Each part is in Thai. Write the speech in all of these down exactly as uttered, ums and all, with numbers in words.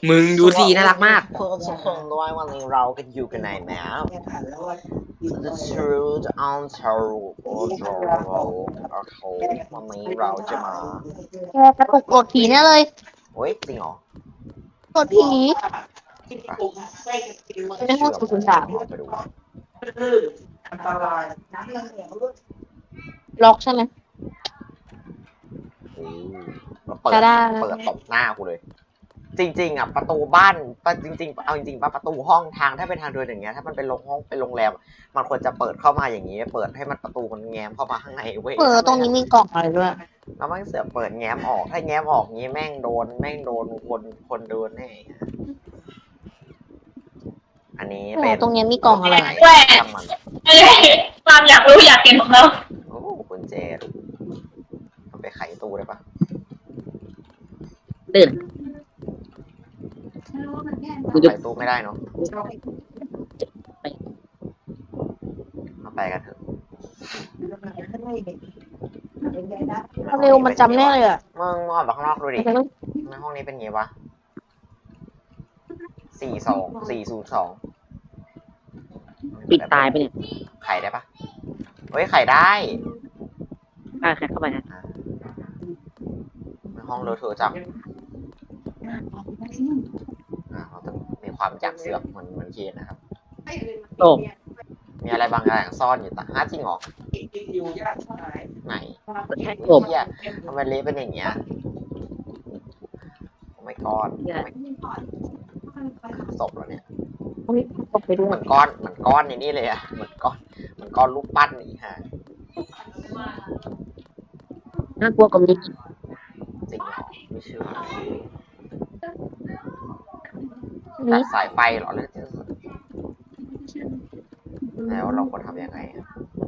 มึงดูสิน่ารักมากเพื่อนทุกคนด้วยวันนี้เรากันอยู่กันไหนแมว The Truth on True โอ้โหโอ้โหวันนี้เราจะมาแกกระตุกโกรธผีแน่เลยเฮ้ยจริงเหรอโกรธผีในห้องศูนย์สามไปดูล็อกใช่ไหมโอ้เราเปิดจะได้เปิดตบหน้ากูเลย จริงๆอ่ะประตูบ้านจริงๆเอาจริงๆป่ะประตูห้องทางถ้าเป็นทางเดินอย่างเงี้ยถ้ามันเป็นโรงห้องเป็นโรงแรมมันควรจะเปิดเข้ามาอย่างนี้เปิดให้มันประตูมันแง้มเข้ามาข้างในเว้ยเออตรงนี้มีกล่องอะไรด้วยแล้วมันเสือกเปิดแง้มออกถ้าแง้มออกงี้แม่งโดนแม่งโดนคนคนเดินแน่อันนี้เอเป็อน ตรงนี้มีกล่องอะไรช่างมันความอยากรู้อยากเห็นของเราโอ้คุณเจดมันไปไขตู้ได้ปะตื่นไขตู้ไม่ได้เนาะมาไปกันเถอะเร็วมันจำแน่เลยอ่ะมึงออกมาข้างนอกดูดิในห้องนี้เป็นไงวะสี่สองสี่ศูนย์สองปิดตายไปเนี่ยไขได้ปะเฮ้ยไขได้อ่ะใครเข้าไปฮะในห้องเลอะเทอะจังอ่าเราต้องมีความอยากเสือกเหมือนเหมือนเคนนะครับโอ้มีอะไรบางอย่างซ่อนอยู่แต่ฮะจริงเหรอไหนแค่กบเฮียทำไมเละเป็นอย่างเงี้ยโอ้ไม่ก้อนศพแล้วเนี่ยอุ้ยตกไปด้วเหยมือนก้อนเหมือนก้อนในนี่เลยอะเหมือนก้อนเหมือนก้อนลูกปั้นนี่ฮะน่ากลัวกว่านี้จริงเหรอไม่เชื่อนี่ตัดสายไฟเหรอเลยแล้วเราควรทำยังไงอะ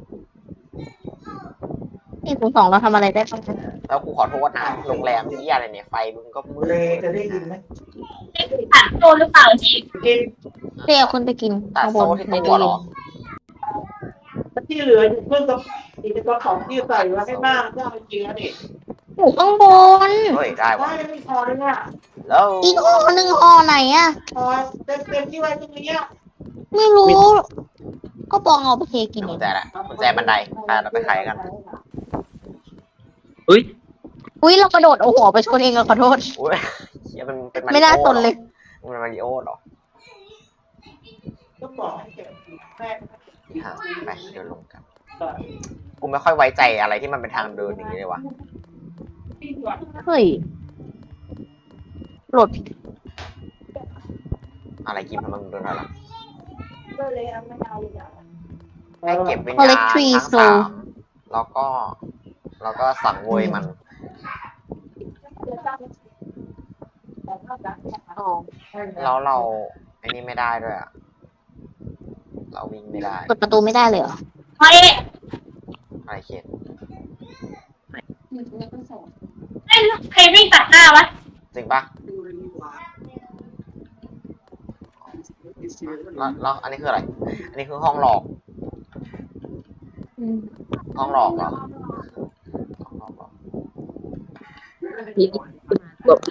นี่ศูนย์สองเราทำอะไรได้บ้างแล้วกูขอโทษนะโรงแรมที่อะไรเนี่ยไฟมึงก็มืดจะได้ยินไหมผ่านโตหรือเปล่าจีเดี๋ยวคุณไปกินตัดข้างบโซ่นที่ในตัวตู้เหรเย็อนที่เหลืออยู่เพิ่งกับอีกกระของที่ใส่ไว้ให้มากก็เอาจริงๆนี่อยู่ข้างบนเฮ้ยได้วะได้ไม่พอเลยเนี่ยแล้วอีกห่อหนึ่งห่อไหนอ่ะพอเต็มเต็มที่ไว้ตรงนี้ไม่รู้ ก็ปองเอาไปเทกินกุเอญงแจละกุญแจบันไดไปเราไปไขกันเฮ้ยอุ้ยเรากระโดดเอาหัวไปชนเองอะขอโทษอุ้ยเฮียมันเป็นมาริโอไม่น่าสนเลยมันเป็นมาริโอเหรอก็บอกให้เก็บแม่หาไปเดินลงกันกูไม่ค่อยไว้ใจอะไรที่มันเป็นทางเดินอย่างนี้เลยวะเฮ้ยโหลดผิดอะไรกินทำไมมึงเดินอะไรให้เก็บวิญคอลญาเลณกทรีทั้งโซสามแล้วก็แล้วก็สั่งโวยมันอ๋อแล้วเราไอ้นี่ไม่ได้ด้วยอะเราวิ่งไม่ได้เปิดประตูไม่ได้เลยเหรอเฮ้ยอะไรเขียนใครวิ่งตัดหน้าวะจริงปะแล้วแล้วอันนี้คืออะไร อันนี้คือห้องหลอก ห้องหลอกเหรอห้องหลอกเหรอนี่กบ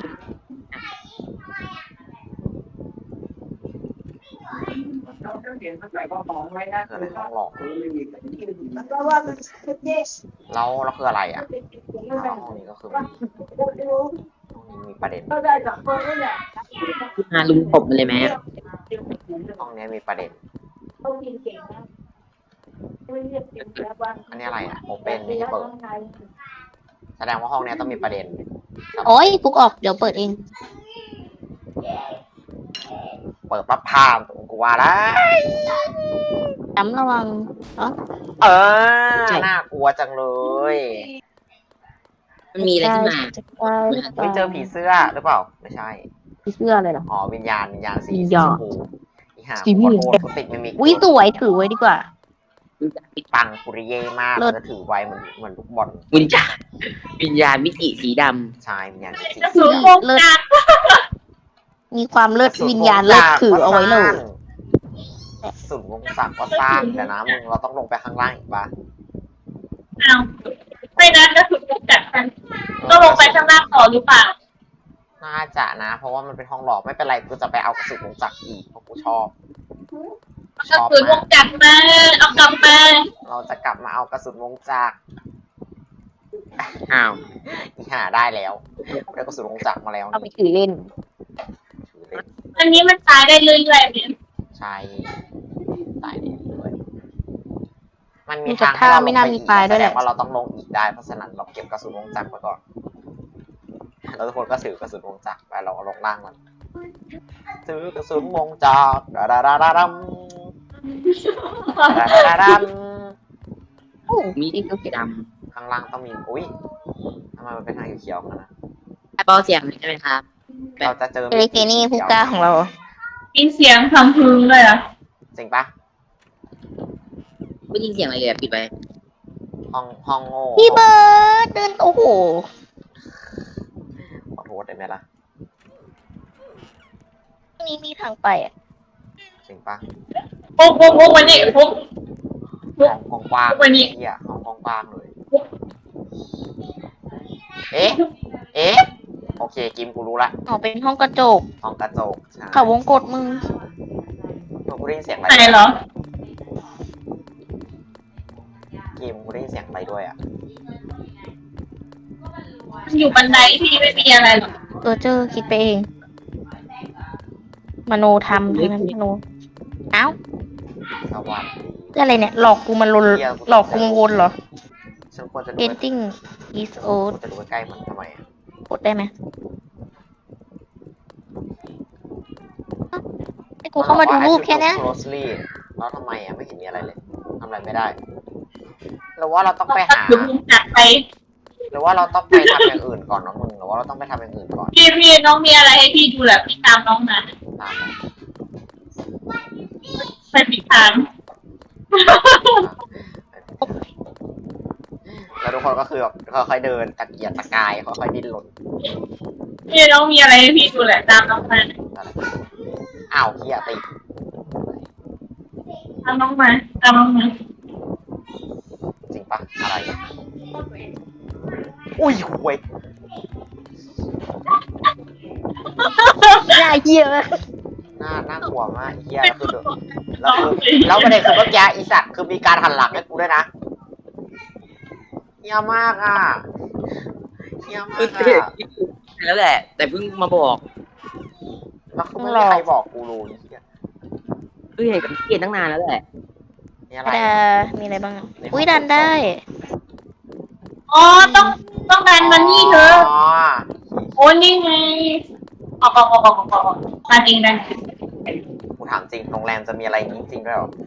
เห็นมันใส่กระป๋องไว้นะคืออะไรห้องหลอกมันก็ว่ามันเด็กแล้วแล้วคืออะไรอ่ะอ้าวห้องนี้ก็คือห้องนี้มีประเด็นก็ได้จากคนนี่แหละมาลุมผมมาเลยไหมห้องนี้มีประเด็นต้องกินเก่งนะไม่เรียกเก่งแล้วว่าอันนี้อะไรอ่ะโอเปนไม่ใช่เปิด แสดงว่าห้องนี้ต้องมีประเด็นโอ้ยปุ๊กออกเดี๋ยวเปิดเองเปิดปั๊บพามกูว่าแล้วจำระวังเนาะเออน่ากลัวจังเลยมันมีอะไรขึ้นมาไม่เจอผีเสื้อหรือเปล่า ไม่ใช่ผีเสื้ออะไรเหรออ๋อวิญญาณวิญญาณสีวิญชญาม ณพูอีห่าสีขม่อวงโทษกูติดมิมิกอุ้ยสวยถือไว้ดีกว่าปังปุริเย่มากเลิศจะถือไว้เหมือนเหมือนลูกบอลวิญญาณวิญญาณมิติสีดชายวิญญาณสีจะสูงโกงกลางมีความเลิศวิญญาณเลิศถือเอาไว้เลยสุดวงศักดิ์ก็สร้างแต่นะมึงเราต้องลงไปข้างล่างอีกปะเอาไม่นั้นก็ถูกจัดกันก็ลงไปข้างล่างต่อหรือเปล่าน่าจะนะ เพราะว่ามันเป็นห้องหลอกไม่เป็นไรกูจะไปเอากระสุนวงจักรอีกเพราะกูชอบกระสุนวงจักรมาเอากลับมาเราจะกลับมาเอากระสุนวงจักรอ้าวอีห่าได้แล้วได้กระสุนวงจักรมาแล้วเอาไปถือเล่นถือเล่นอันนี้มันตายได้เรื่อยๆเนี่ยใช่ตายได้ด้วยมันมีมีทางแต่ท่าไม่น่ามีตายด้วยแหละแสดงว่าเราต้องลงอีกได้เพราะฉะนั้นเราเก็บกระสุนวงจักรไว้ก่อนแล้วทุกคนก็ถือกระสุนวงจักรไปเราเอาลงล่างมันถือกระสุนวงจักรดาดาดาดาดัมดาดาดาดัมโอ้มีที่ก็สีดข้างล่างต้องมีอุ้ยทำไมมันเป็นทางเขียวๆกันนะำแอปเปิลเสียงใช่ไหมครับเราจะเจอเอลิเกนี่ผู้กล้าของเรามีเสียงทำพึงเลยอ่ะจริงปะไม่ยินเสียงอะไรเลยอะปิดไปห้องห้องโง่พี่เบิร์ดเดินโอ้โหขอโทษได้ไหมล่ะตรงนี้มีทางไปอ่ะจริงปะปุ๊บปุ๊บปุ๊บวันนี้ปุ๊บห้องห้องกว้างวันนี้เฮียห้องห้องกว้างเลย เอ๊ะ เอ๊ะ โอเค กิมกูรู้ละอ๋อเป็นห้องกระจกห้องกระจกใช่เขาวงกดมึงกูได้ยินเสียงอะไรไหนเหรอกิมกูได้ยินเสียงอะไรด้วยอ่ะมันอยู่บันไดที่ไม่มีอะไรหรอกเออเจอคิดไปเอง มโนทำทั้งนั้นมโนเอ้าสวัสดีเรื่องอะไรเนี่ย หลอกกูมันลนหลอกกูมันวนเหรอฉันควรจะดู Painting is คว old รจะดูใกล้ๆมันทำไมอะกดได้ไหมเอ้าให้กูเข้ามาดูรูปแค่เนี้ยมันบอกว่า closely แล้วทำไมอ่ะไม่เห็นมีอะไรเลยทำอะไรไม่ได้หรือว่าเราต้องไปหาหรือวงจักรไปหรือว่าเราต้องไปทำอย่างอื่นก่อนเนาะมึงหรือว่าเราต้องไปทำอย่างอื่นก่อนพี่พี่น้องมีอะไรให้พี่ดูแหละพี่ตามน้องมาตามมาไปผิดทางแล้วทุกคนก็คือแบบค่อยๆเดินตะเกียกตะกายค่อยๆดิ้นรนพี่น้องมีอะไรให้พี่ดูแหละตามน้องมาอะไรอ้าวเฮียติดตามน้องมาตามน้องมาจริงปะอะไรอุ้ยห่วยน่าเหี้ยมากหน้าน่ากลัวมากเฮียแล้วคือแล้วคือแล้วประเด็นคือเมื่อกี้อีสัตว์คือมีการหันหลังให้กูด้วยนะเฮียมากอ่ะเฮียมากอ่ะแล้วแหละ แต่เพิ่งมาบอกแล้วคือไม่มีใครบอกกูรู้เฮียเฮ้ยเห็นกับเกียนตั้งนานแล้วแหละนี่อะไรดามีอะไรบ้างอ่ะอุ้ยดันได้อ๋อต้องต้องการมันนี่เธออ๋อโอ้นี่ไงออกออกออกออกออกออกมาจริงนะกูถามจริงโรงแรมจะมีอะไรอย่างนี้จริงด้วยเหรอ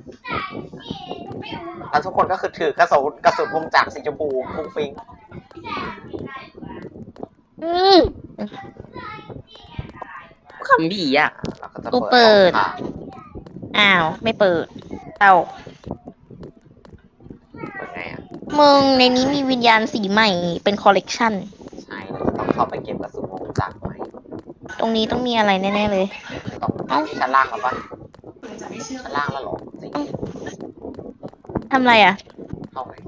แล้วทุกคนก็คือถือกระสุนกระสุนวงจักรสีชมพูฟุ้งฟิ้งอืมคำบีอ่ะแล้วก็จะกูเปิดห้องทางอ้าว ไม่เปิด เอาเปิดไงอ่ะมึงในนี้มีวิญญาณสีใหม่เป็นคอลเลกชันใช่เราจะต้องเข้าไปเก็บกระสุนวงจักรไหมตรงนี้ต้องมีอะไรแน่ๆเลยต้องเอ้าที่ชั้นล่างแล้วปะชั้นล่างแล้วเหรอจริงทำอะไรอ่ะเข้าไหน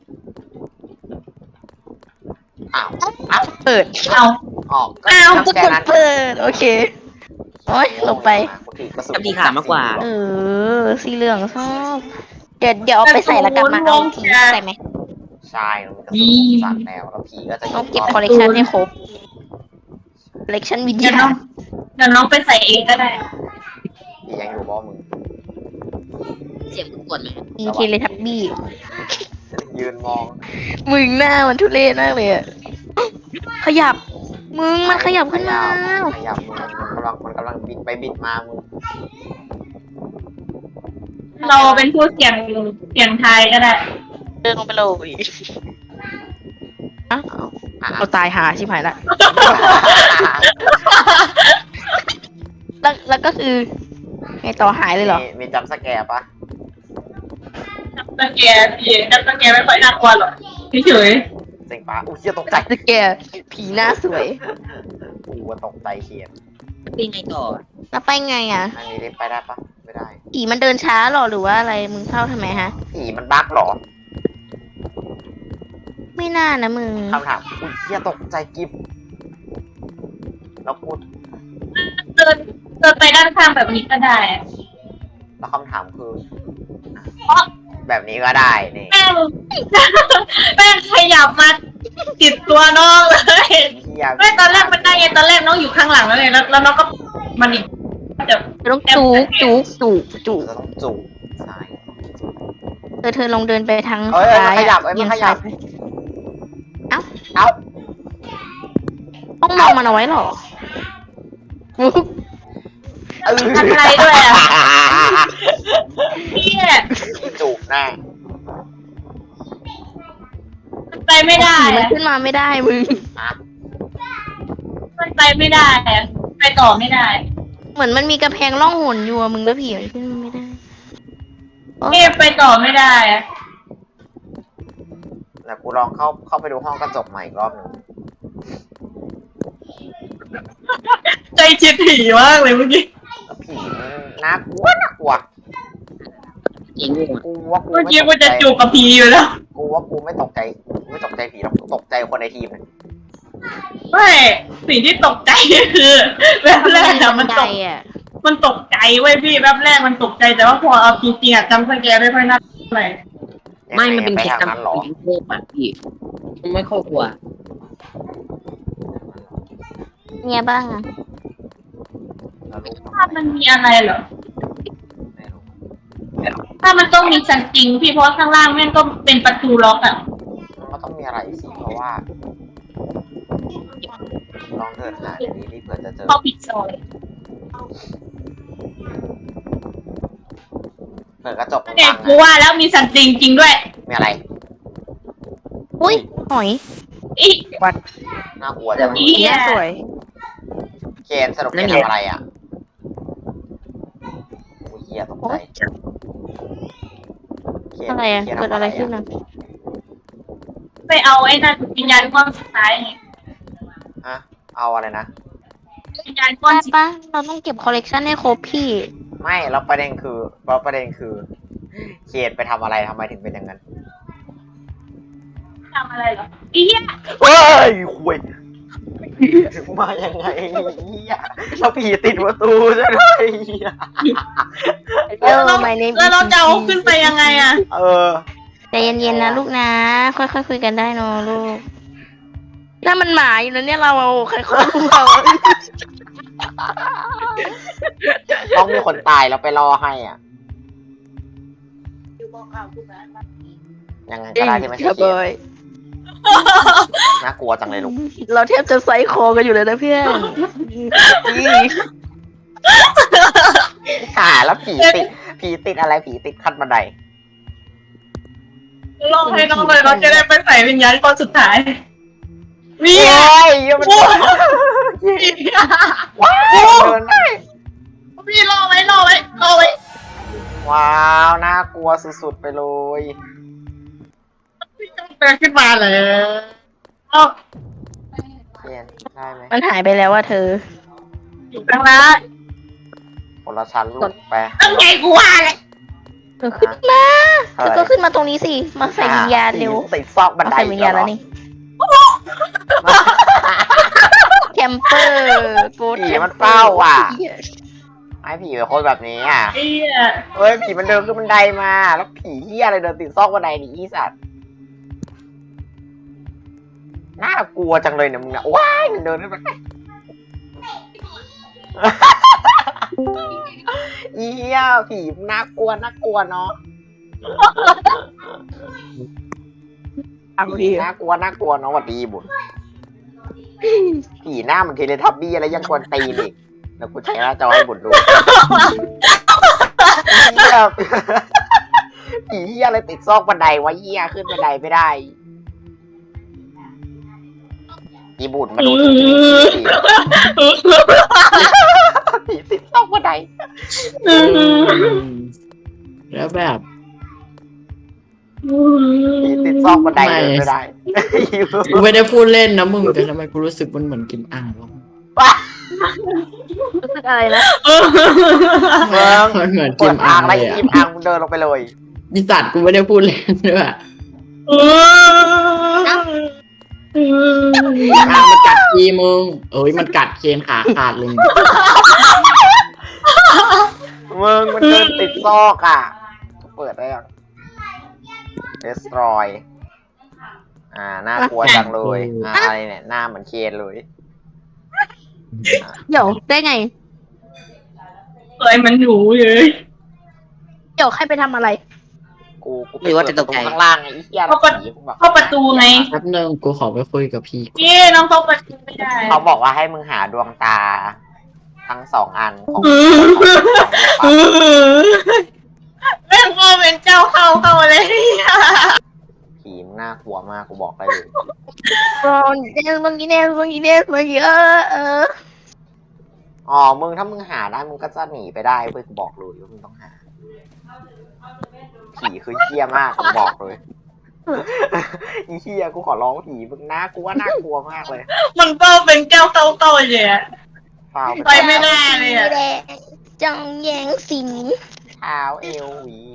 อ้าวอ้าวเปิดเอาออกก็อ้าวกูแค่กดนั้นเปิด โอเค โอ้ยหลบไปกูถือกระสุนกับดีขามากกว่าเออ สีเหลืองชอบ เดี๋ยวเดี๋ยวเอาไปใส่แล้วกลับมาเอาผีใส่ไหมใช่มันเป็นกระสุนวงจักรแล้วแล้วผีก็จะต้องเก็บคอลเลกชันให้ครบ คอลเลกชันวิญเดี๋ยวญาน้องณเดี๋ยวน้องไปใส่เองก็ได้ผียังอยู่บ่มึงเสียงกวนไหมมีเทเลทับบี้ยืนมองมึงหน้ามันทุเรศมากเลยอะขยับ มึงมันขยับขึ้นมาขยับมือมันกำลังมันกำลังบิดไปบิดมามึงเราเป็นผู้เสี่ยงเสี่ยงทายก็ได้เดินลงไปเลยอ่ะอ่ะเอาตายหาชิบหายละ แล้วแล้วก็คือไงต่อหายเลยเหรอมีมีจำสแกร์ปะจับตะแกรงพี่จับตะแกรงไม่ค่อยน่ากลัวหรอกเฉยจริงปะอุ้ยเหี้ยตกใจสแกร์ผีหน้าสวยกูว่าตกใจเขียนเป็นไงต่อแล้วไปไงอ่ะอันนี้เล่นไปได้ปะไม่ได้ผีมันเดินช้าเหรอหรือว่าอะไร มึงเข้าทำไมฮะผีมันบั๊กเหรอไม่น่านะมึงคำถามอุ้ยเหี้ยตกใจกิฟแล้วพูดเดินเดินไปด้านข้างแบบนี้ก็ได้แล้วคำถามคือ แบบนี้ก็ได้นี่แม่งแม่งขยับมาติดตัวน้องเลยเหี้ยไม่ตอนแรกมันได้ไงตอนแรกน้องอยู่ข้างหลังแล้วไงแล้วแล้วน้องก็มันอีกจะเธอต้องจูกจูกจูกจูกจะต้องจูบซ้ายเธอเธอลองเดินไปทางเอ้ยเอ้ยซ้ายมันขยับอะเอ้ยมันเอียงขยัซ้ายบไปเอ้าต้องมองมันเอาไว้เหรอฟุ๊กเออทำอะไรด้วยอ่ะเนี่ยจูบแน่มันไปไม่ได้ผีมันอะขึ้นมาไม่ได้มึงอ่ะมันไปไม่ได้อะไปต่อไม่ได้เหมือนมันมีกระแพงล่องหนอยู่อะมึงแล้วผีมันขึ้นมาไม่ได้โอ๊ยเอ๊ะไปต่อไม่ได้อะแล้วกูลองเข้าเข้าไปดูห้องกระจกใหม่อีกรอบหนึ่งใจเจ็บผีมากเลยเมื่อกี้แล้วผีมันน่ากลัวน่ากลัวจริงว่ะกูว่ากูเมื่อไม่กี้ตกูกใจจะจูบกับผีอยู่แล้วกูว่ากูไม่ตกใจกูไม่ตกใจผีหรอกกูตกใจคนในทีมเนี่ยไม่สิ่งที่ตกใจคือแบบแรกอะมันตใจกอะมันตกใจเว้ยพี่แบบแรกมันตกใจแต่ว่าพอเอาจริงๆอะจำสแกนไม่ค่อยน่าอะไรไม่มันเป็นไปแค่ทางนั้นเหรอจำเป็นเทพอ่ะพี่ไม่ค่อยกลัวเนี่ยบ้างอะแล้วลูกภาพมันมีอะไรเหรอไม่รู้ถ้ามันต้องมีชั้นจริงพี่เพราะว่าข้างล่างแม่งก็เป็นประตูล็อกอะมันก็ต้องมีอะไรสิเพราะว่า ลองเดินหาเดี๋ยวนี้รีบเผื่อจะเจอเข้าปิดซอยเปิดกระจกเด็กบังกูๆอะว่าแล้วมีชั้นจริงจริงด้วยมีอะไรอุ้ยหอยอีน่ากลัวจังอีอันเนี้ยสวยเคนสรุปเคนทำอะไรอ่ะโอ้ยเหี้ยตกใจเคนอะไรอะคนเกิดทำอะไรขึ้นอะไปเอาไอ้นั่นวิญญาณก้อนสุดท้ายไงฮะเอาอะไรนะวิญญาณก้อนได้สีปะเราต้องเก็บคอลเลกชันให้ครบพี่ไม่แล้วประเด็นคือแล้วประเด็นคือเคนไปทำอะไรทำไมถึงเป็นอย่างนั้นทำอะไรเหรออีเหี้ยเฮ้ยคุยถึงมายังไงเหี้ยแล้วผีติดประตูใช่ไหมเหี้ยเออ my name แล้วเราจะเอาขึ้นไปยังไงอะเออใจเย็นๆนะลูกนะ ค่อยๆคุยกันได้เนอะลูกนั่นมันหมาอยู่นะเนี่ยเราเอาใครคนเราต้องมีคนตายแล้วไปรอให้อ่ะ ยังไงก็ได้ที่ไม่ใช่ครับเคนบอยน่ากลัวจังเลยลูกเราแทบจะไซส์คอกันอยู่เลยนะเพื่อนตายแล้วผีติด ผีติดอะไรผีติดขั้นบันไดลองให้น้องเลยเราจะได้ไปใส่วิญญาณก้อนสุดท้ายวีโอ้ยมันว้าว้าวเดินได้พี่รอไว้รอไว้รอไว้ว้าวน่ากลัวสุดๆไปเลยพี่ต้องเดินขึ้นมาเลยเอาเปลี่ยนได้ไหมมันหายไปแล้วว่าเธออยู่ข้างล่างคนละชั้นลูกไปต้องไงกูว่าเลยเธอขึ้นมาเธอก็ขึ้นมาตรงนี้สิ มาใส่วิญญาณเร็วติดซอกบันมาไดใส่วิญญาณแล้วนี่ แคมเปอร์กูดผีมันเฝ้าอ่ะไอ้ผีเป็นคนแบบนี้อ่ะไอ้เหี้ยเฮ้ยผีมันเดินขึ้นบันไดมา แล้วผีเฮียอะไรเดินติดซอกบันไดนี่อีสัตว์น่ากลัวจังเลยเนี่ยมึงเนี่ยว้ายมันเดินขึ้นไปอีเฮียผีน่ากลัวน่ากลัวเนาะเอาดีน่ากลัวน่ากลัวเนาะหวัดดีบุญผีหน้าเหมันเทเลทับบี้อะไรยังกวนตีนอีกแล้วกูใช้หน้าจอให้บุญดูเหี้ยผีเหี้ยอะไรติดซอกบันไดวะเหี้ยขึ้นบันไดไม่ได้อีบุญมาดูผีติดซอกบันไดแล้วแบบผีติดซอกบันไดเดินไม่ได้กูไม่ได้พูดเล่นนะมึงแต่ทำไมกูรู้สึกมันเหมือนกินอ่างวะรู้สึกอะไรนะเมืองมันเหมือนกกิดนอ่าอ่าง งอะไรเลยอ่ะกิมอ่างมึงเดินลงไปเลยมีสัตว์กูไม่ได้พูดเล่นด้วยเอออ่ะมันกัดทีมึงเอ้ยมันกัดเคนขาขาดเลยมึงมันเดินติดซอกอ่ะ เปิดได้ยัง destroy อ่าน่ากลัวจังเลยอ่าอะไรเนี่ยหน้าเหมือนเคนเลยเดี๋ยวได้ไงเอ้ยมันหนูเลยเดี๋ยวใครไปทำอะไรกูกูไปเปิดประตูข้างล่างไงไอ้เหี้ยเข้าประผีกูบอกเข้าประตูไงแป๊บนึงกูขอไปคุยกับพี่ก่อนพี่น้องเข้าประตูไม่ได้เขาบอกว่าให้มึงหาดวงตา ทั้งสองอันของเออแม่งก็เป็นเจ้าเข้าเข้าเลยผีมงน่ากลัวมากกูบอกได้เลยบอลเนสบางทีเนสบางทีเนสบางทีเออเอออ๋อมึงถ้ามึงหาได้มึงก็จะหนีไปได้เว้ยกูบอกเลยว่ามึงต้องหา ผีคือเหี้ยมากกูบอกเลย อีเหี้ยกูขอร้องผีมึงน่ากลัวน่ากลัวมากเลยมันก็เป็นเจ้าเข้าเข้าเลยอะฟาวไปไม่ได้เลยอะแดงจังแยงสิงเท้าเอวหวี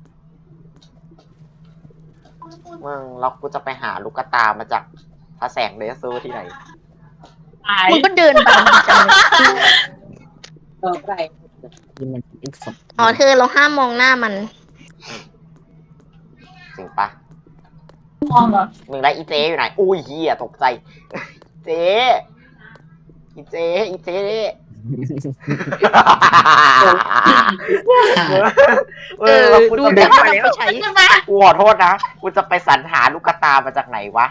มึงแล้วกูจะไปหาลูกกระตามาจากพระแสงเลเซอร์ที่ไหนตายมึงก็เดินไปจังเลยต่อไปที่มันอีกสองอ๋อเธอเราห้ามมองหน้ามันจริงปะมองเหรอมึงได้อีเจอยู่ไหน อุ้ยเฮียตกใจ เจ อีเจ อีเจเออแล้วกูดูจะเด็กไปไปใช้ใช่ไหมกูขอโทษนะ กูจะไปสรรหาลูกกระตามาจากไหนวะ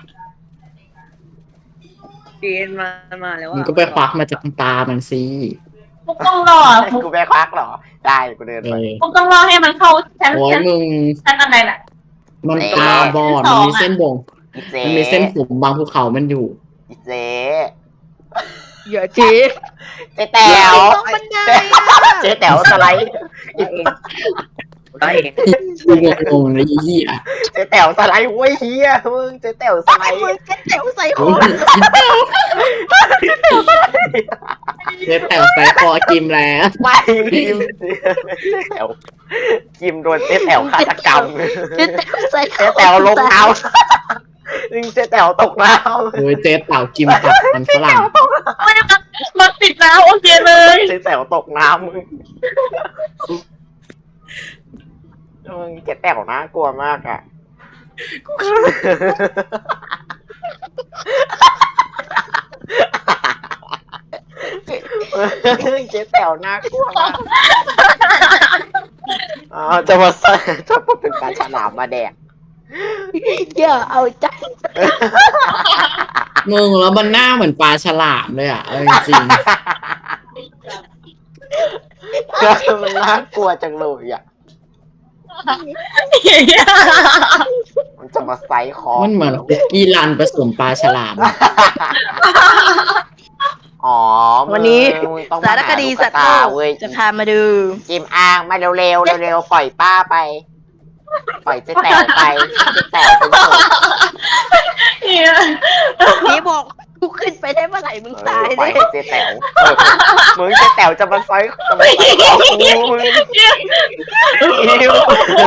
เกณฑ์มามาแล้วมึงก็ไปควักมาจากตามันสิพวกต้องรอพวกกูแม่ควักเหรอ ได้กูเดินเอไปอพวกต้องรอให้มันเข้าชั้นโอ้ยชั้นมึงชั้นอะไรน่ะมันตาบอดมันมีเส้นบ่งอีเจมันมีเส้นผมบางภูเขามันอยู่อีเจอย่าจีเจ๊แต๋วต้องบันไดเจ๊แต๋วสไลด์ได้เองกูงงๆเลยไอ้เหี้ยเจ๊แต๋วสไลด์เว้ยเฮียมึงเจ๊แต๋วสไลด์มึงจะเต๋วใส่คโอ้อยเจ๊แต่ใส่คอกิมแล้วไม่กิมเจ๊แต๋วกิมโดนเจ๊แต๋วฆาตกรรมจะเต๋วใส่คอเจ๊แต๋วลงน้ำนึงเจ๊แต๋วตกน้โดยเจ๊เต่ากิมตับมันฝรั่งไม่มันมันติดแล้วโอเคเลยำเจ๊แต๋วตกน้ำมึงมึงเจ๊แต๋วน่ากลัวมากอ่ะเจ๊แต๋วน่ากลัวมากอ๋อจะมาใส่จะมาเป็นปลาฉลามมาแดกอย่าเอาใจมึงแล้วมันหน้าเหมือนปลาฉลามเลยอ่ะเอาจริงมันน่ากลัวจังเลยอ่ะ มันจะมาไซส์คอๆมันเหมือนคุกกี้รันผสมปลาฉลามอ๋อวันนี้มึงต้องสารคดีสัตว์โลกเว้ยจะพามาดูจิมอ่างมาเร็วๆเร็วๆปล่อยป้าไป ปล่อยเจ๊แต๋วไปเจ๊แต๋วเป็นศพนี่บอกกูขึ้นไปได้เมื่อไหร่มึงเอตายอปล่เลอยยให้เจ๊แต๋วเออมึงเจ๊แต๋วจะมาไซส์จะมาไซส์คอกูมึงอิว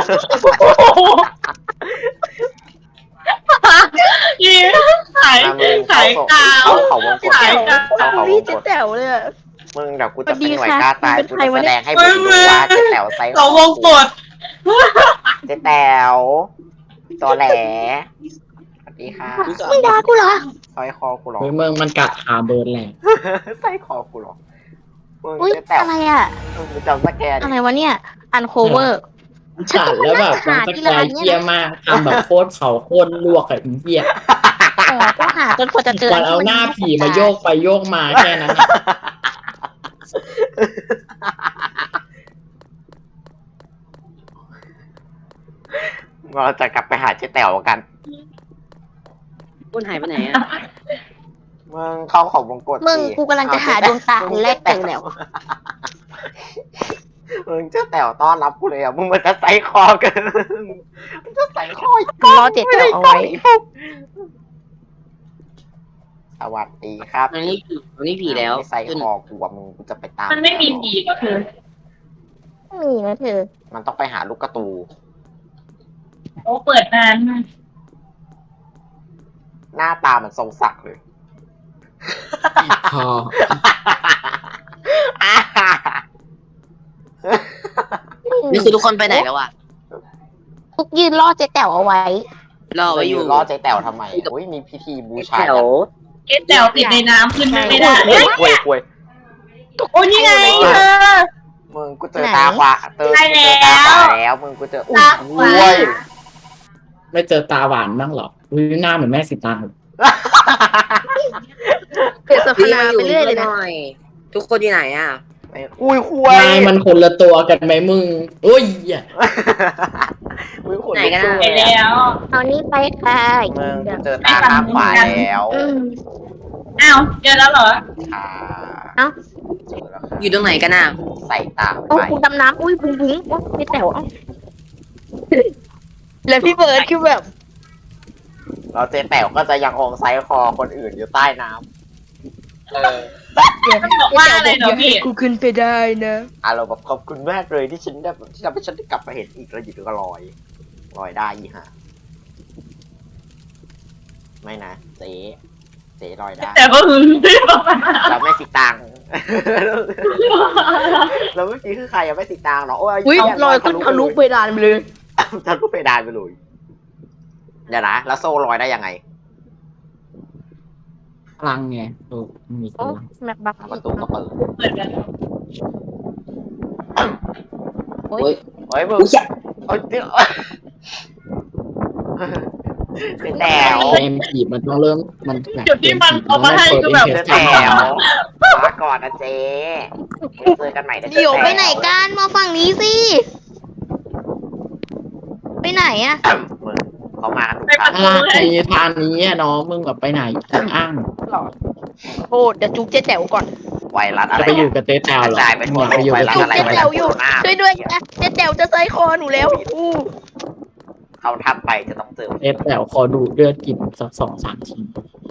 ยี่ขายมามึงขายกาวเข้าเขาวงกตขายกาวเข้าเขาวพี่งกจะตแต๋วเลยอะมึงเดี๋ยวกูจะเป็นสวัสดีหน่วยค่ะกล้าตายเป็นกูใครจะวะแสเนี่ยดงให้มึงดูว่าเจ๊แต๋วไซส์เขาวงกดเจ๊แต๋วตอแหลสวัสดีค่ะไม่ด่ากูเหรอซอยคอกูหรอเฮ้ยมึงมันกัดขาเบิร์ดแหละใส่คอกูหรอมึงอุ้ยเจ๊แต๋วอะไรอ่ะมึงจำสแกนอะไรวะเนี่ย อันโคเวอร์กัดแล้วแบบมันจะกลายเหี้ยมากทำแบบโคตรเขาโคตรลวกอะไอ้เหี้ยอ๋อก็หาจนกว่าจะเจอมันเอาหน้าผีมาโยกไปโยกมาแค่นั้นอะเราจะกลับไปหาเจ๊แต๋วกันคุณหายไปไหนอ่ะมึงเข้าของวงกดมึงสิกูกำลังจะหาดวงตาอันแรกเจอแล้วมึงเจ๊แต๋วต้อนรับกูเลยอ่ะ มึงมันจะใส่คอกันมึงจะใส่คออีกรอเจ็ดแต๋วเอาไว้สวัสดีครับอันนี้ผีอันนี้ผีแล้วไม่ใส่คอกูอ่ะมึงกูจะไปตามมันไม่มีผีก็คือมีนะเธอมันต้องไปหาลูกกระตูโอ้เปิดนานหน้าตาเหมือนทรงศักดิ์เลยพอนี่คือทุกคนไปไหนแล้วอะทุกยืนล่อเจ๊แต๋วเอาไว้รอไว้อยู่รอใจแต๋วทำไมอุ้ยมีพิธีบูชาแถวเอ๊ะแต่วติดในน้ำขึ้นไม่ได้เฮ้ยคุยคุยโอ้ยนี่ไงเธอมึงกูเจอตาขวาเจอได้กูเจอตาขวาแล้วแล้วมึงกูเจออุ้ยตาขวาคุยไม่เจอตาหวานบ้างหรออุ้ยหน้าเหมือนแม่สิตางเป็นสพี่ภามาอไปยู่เรื่อยเลยหนะน่อย ทุกคนที่ไหนอะอุ้ยคุยนายมันคนละตัวกันไหมมึงอุ้ยอ่ะอุ้ยขนไหนลุกกันสู้อะไปเลยอะแล้วเอานี่ไปค่ะมึงกูเจอตาข้างขวาแล้วอืมอ้าวเจอแล้วเหรอค่ะเอ้าเจอแล้วค่ะอยู่ตรงไหนกันอะใส่ตาโอ้ไปคุณดำน้ำอุ้ยบุ้งบุ้งโอ้เจ๊แต๋วเอ้าแล้วพี่เบิร์ดคือแบบเราเจ๊แต๋วก็จะยังคงไซส์คอคนอื่นอยู่ใต้น้ำเออมันบอกว่าอะไรเหรอพี่กูขึ้นไปได้นะอารมณ์แบบขอบคุณมากเลยที่ฉันได้ที่ทำให้ฉันได้กลับมาเห็นอีกแล้วอยู่ก็ลอยลอยได้อีห่าไม่นะเจ๊เจ๊ลอยได้แต่ก็คือไม่บอกว่าเราไม่สิตังค์ เราเมื่อกี้คือใครยังไม่สิตังค์เหรอโอ้ยอุ้ยแลอยขึ้นทะลุเพดานไปเลยทะลุเพดานไปเลยเดี๋ยวนะแล้วโซ่ลอยได้ยังไงพลังไงโอ้มีพโอ้ลังแม็กบักประตูก็เปิดเปิดกันโอ้ยเฮ้ยมึงอุ้ยอะเอ้ยเดี๋ยวเจ๊แต๋วเกมผีมันต้องเริ่มมันแบบจุดที่มันเอามาให้คือแบบเจ๊แต๋วมาก่อนนะเจ๊เจอกันใหม่นะเจ๊เดี๋ยวแต๋วไปไหนกันมาฝั่งนี้สิไปไหนอะมึงเขามากันทุกไปคปรั้ระงตูอะไรเลยทางนี้อะน้องมึงแบบไปไหนอ้างหรอโทษเดี๋ยวจุ๊บเจ๊แต๋วก่อนไวรัสอะจะไรไปอยู่กับเจ๊แตวเหรอจ่ายไปทั่วอยากโลไปกอยู่ไวกับรัสเจ๊อะไรจุ๊บไวเจ๊รัสแต๋วอยู่โคโรนาช่วยด้วยนะเจ๊แต๋วจะใส่คอหนูแล้วอู้เขาทำไปจะต้องเจอเจ๊แตวขอดูดเลือดกินสักสองสามที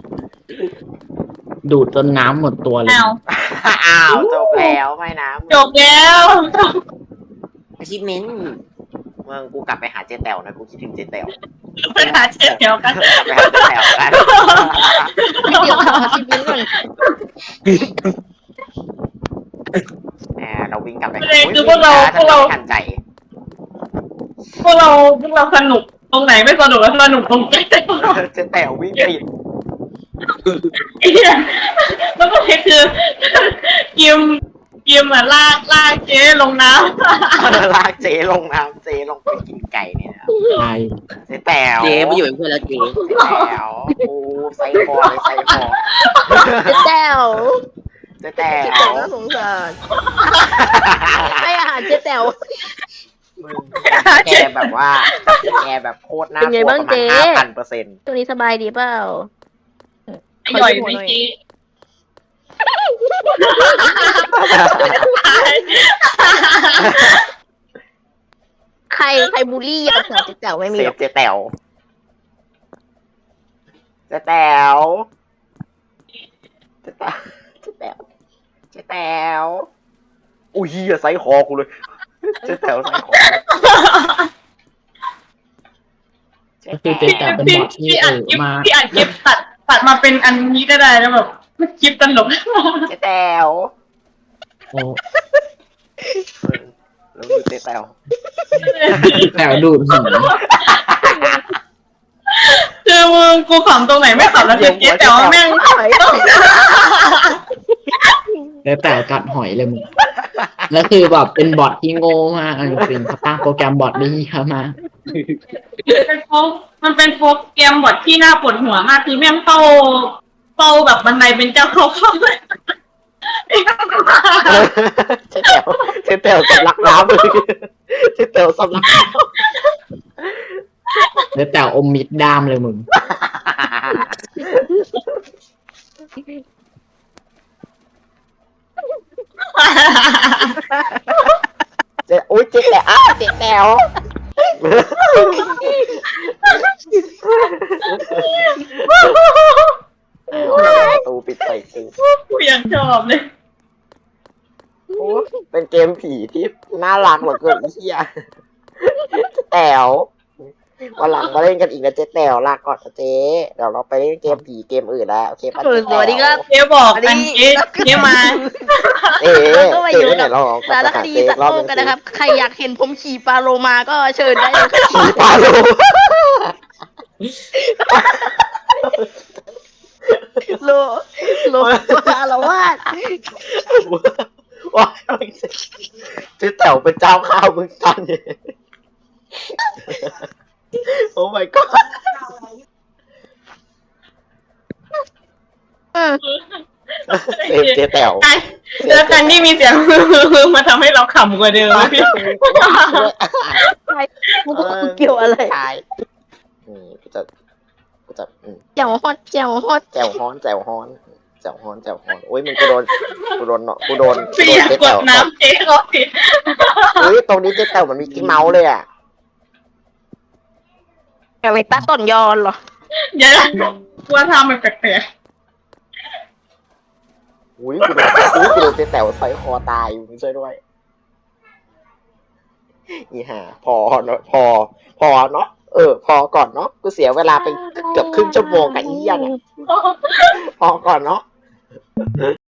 ดูดจนน้ำหมดตัวเลยอ้าวอ้าวจบแล้วไม่นะมึงจบแล้วอาชีพเมนต์มึงกูกลับไปหาเจ๊แต๋วนะกูคิดถึงเจ๊แต๋วไปหาเช็ดเดียวกันกลับไปหาเจ๊แต๋วกันเดี๋ยวทำอาชีพนี้ก่อนแหมเราวิ่งกลับไปประเด็นคือพวกเราพวกเราทันใจพวกเราพวกเราสนุกตรงไหนไม่สนุกแล้วสนุกตรงไหนเจ๊แต๋ววิ่งปิดไอ้เหี้ยแล้วก็คือกิมกิมอ่ะลากลากเจ๊ลงน้ำลากเจ๊ลงน้ำเจ๊ลงไปกินไก่เนี่ยนะใช่เจ๊แต๋วเจ๊ไปอยู่เป็นเพื่อนแล้วเจ๊เจ๊แต๋วโอ้ไซคอเลยไซคอเจ๊แต๋วเจ๊แต๋เจ๊แต๋ววน่าสงสารให้อาหารเจ๊แต๋วมึงแกแบบว่าแกแบบโคตรน่าเป็นกไงลัวบ้างประมาณเจ๊ห้าพันเปอร์เซ็นต์ตัวนี้สบายดีเปล่าไอ้หน่อยไม่กี้ใครใครบูลลี่ยาเสือเจ๊แต๋วไม่มีเซหรฟอกเจ๊แต๋วเจ๊แต๋วเจ๊แต๋วเจ๊แต๋วเจ๊แต๋วอุ้ยเหี้ยไซส์คอกูเลยเจ๊แต๋วไซส์คอเจ๊ก็คือแต๋เจ๊วแตวเป็นพี่บอทที่พี่เออัดอคลิปมาพี่อัดคลิปตัดตัดมาเป็นอันนี้ก็ได้แล้วแบบคลิปตลกเจ๊แต๋วโอ้แล้วดูเจ๊แต๋วแตวดูดหินคือมึงกูขำตรงไหนไม่ขำแล้วเจ๊แต่ว่าแม่งเจ๊แตวกัดหอยเลยมึงแล้วคือแบบเป็นบอทที่โง่มากเอาจริงๆเขาตั้งโปรแกรมบอทได้เยอะมากเป็นโฟกมันเป็นโฟกเกมบทที่น่าปวดหัวมากคือแม่งเฝ้าเฝ้าแบบบันไดเป็นเจ้าเขาเข้าเลยเจ๊แต๋วเจ๊แต๋วสำลักน้ำเลยเจ๊แต๋วสำลักน้ำเจ๊แตวอมมิดด้ามเลยมึงเจ๊อุ้ยเจ๊แต๋วอ้าวเจ๊แต๋วประตูปิดใส่กูกูยังชอบเลยโอ้เป็นเกมผีที่น่ารักเหลือเกินไอ้เหี้ยเจ๊แต๋ววันหลังมาเล่นกันอีกนะเจ๊แต๋วลาก่อนนะเจ๊เดี๋ยวเราไปเล่นเกมผีเกมอื่นแล้วโอเคปะสวัสดีครับเจ๊บอกกันเจ๊เจ๊มาเอ๊ะก็มาอเจ๊ยู่ไหนกับเราลองสารคดีสัตว์โลกกันนะครับ ใครอยากเห็นผมขี่ปลาโลมาก็เชิญได้เลยครับผีปลาโลโลโลมาละวาดว้ายเจ๊แต๋วเป็นเจ้าข้าวมึงตันเนี่ยโอ้ my god เออเซฟเจ๊แต๋วแล้วการที่มีเสียง มาทำให้เราขำกว่าเดิมพี่มึงเกี่ยวอะไรใช่นี่กูจะกูจะอืมเจ้าฮอตเจ้าฮอตแจ่วฮ้อนแจ่วฮ้อนแจ่วฮ้อนแจ่วฮ้อนโอ้ยมึงกูโดนกูโดนเนาะกูโดนกูพี่โดอน ยากเจ๊กแต๋ดวน้ำเจ๊เขาสิเฮ้ยตรงนี้เจ๊แต๋วมันมีกิ๊กเมาส์เลยอ่ะอะไรตาต้นยอนเหรออย่าว่าทำมันแปลกอุ้ยกูโดนอุ้ยกูโดนเจ๊แต๋วใส่คอตายอยู่มึงช่วยด้วยอีห่าพอเนาะพอ พอเนาะเออ พอก่อนเนาะกูเสียเวลาไปเกือบครึ่งชั่วโมงกับอีเหี้ยเนี่ยๆพอก่อนเนาะ